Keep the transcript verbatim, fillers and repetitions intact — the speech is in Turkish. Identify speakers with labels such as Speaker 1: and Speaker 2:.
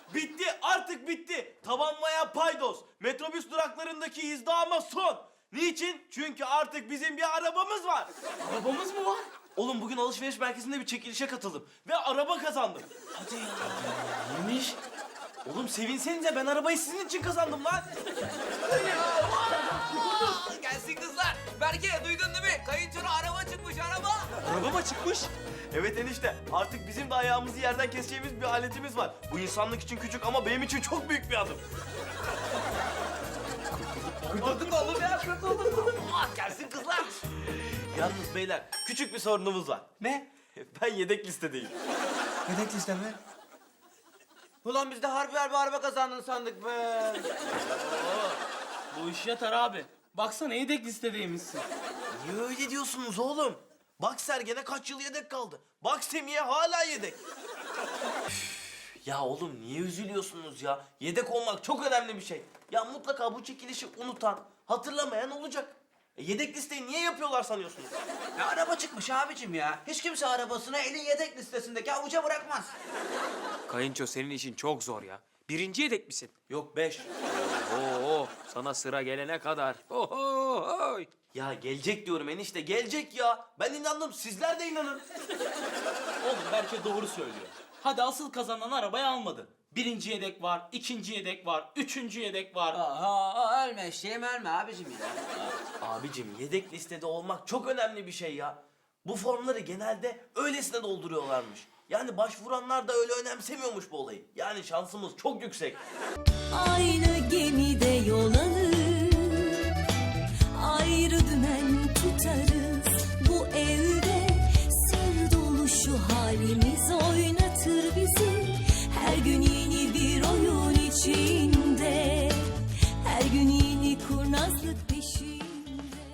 Speaker 1: Bitti, artık bitti. Tabanmaya paydos. Metrobüs duraklarındaki izdihama son. Niçin? Çünkü artık bizim bir arabamız var.
Speaker 2: Arabamız mı var?
Speaker 1: Oğlum bugün alışveriş merkezinde bir çekilişe katıldım ve araba kazandım.
Speaker 2: Hadi ya. Neymiş?
Speaker 1: Oğlum sevinsenize, ben arabayı sizin için kazandım lan.
Speaker 3: Gelsin kızlar. Berke duydun değil mi? Kayınçona araba çıkmış araba.
Speaker 1: Araba mı çıkmış? Evet enişte, artık bizim de ayağımızı yerden keseceğimiz bir aletimiz var. Bu insanlık için küçük ama benim için çok büyük bir adım.
Speaker 3: Kurtulduk oğlum ya kurtulduk. Ah, gelsin kızlar.
Speaker 1: Yalnız beyler, küçük bir sorunumuz var.
Speaker 3: Ne?
Speaker 1: Ben yedek listedeyim.
Speaker 3: Yedek liste mi? Ulan biz de harbi harbi araba kazandın sandık be.
Speaker 2: Bu iş yatar abi. Baksana yedek listedeymişsin.
Speaker 1: Niye öyle diyorsunuz oğlum? Bak Sergen'e kaç yıl yedek kaldı. Bak Semih'e hala yedek. Üf, ya oğlum niye üzülüyorsunuz ya? Yedek olmak çok önemli bir şey. Ya mutlaka bu çekilişi unutan, hatırlamayan olacak. E, yedek listeyi niye yapıyorlar sanıyorsunuz?
Speaker 3: Ya araba çıkmış abicim ya. Hiç kimse arabasını elin yedek listesindeki avuca bırakmaz.
Speaker 4: Kayınço senin işin çok zor ya. Birinci yedek misin?
Speaker 1: Yok beş.
Speaker 4: Oo, sana sıra gelene kadar. Oho, oy.
Speaker 1: Ya gelecek diyorum enişte, gelecek ya. Ben inandım, sizler de inanın.
Speaker 2: Oğlum Berke doğru söylüyor. Hadi asıl kazanan arabayı almadı. Birinci yedek var, ikinci yedek var, üçüncü yedek var.
Speaker 3: Aha ölme eşeğim ölme abicim ya.
Speaker 1: Abicim yedek listede olmak çok önemli bir şey ya. Bu formları genelde öylesine dolduruyorlarmış. Yani başvuranlar da öyle önemsemiyormuş bu olayı. Yani şansımız çok yüksek.
Speaker 5: Aynı gemide yol alır, ayrı dümen tutarız. Bu evde sır dolu şu halimiz oynatır bizi. Her gün yeni bir oyun içinde, her gün yeni kurnazlık peşinde.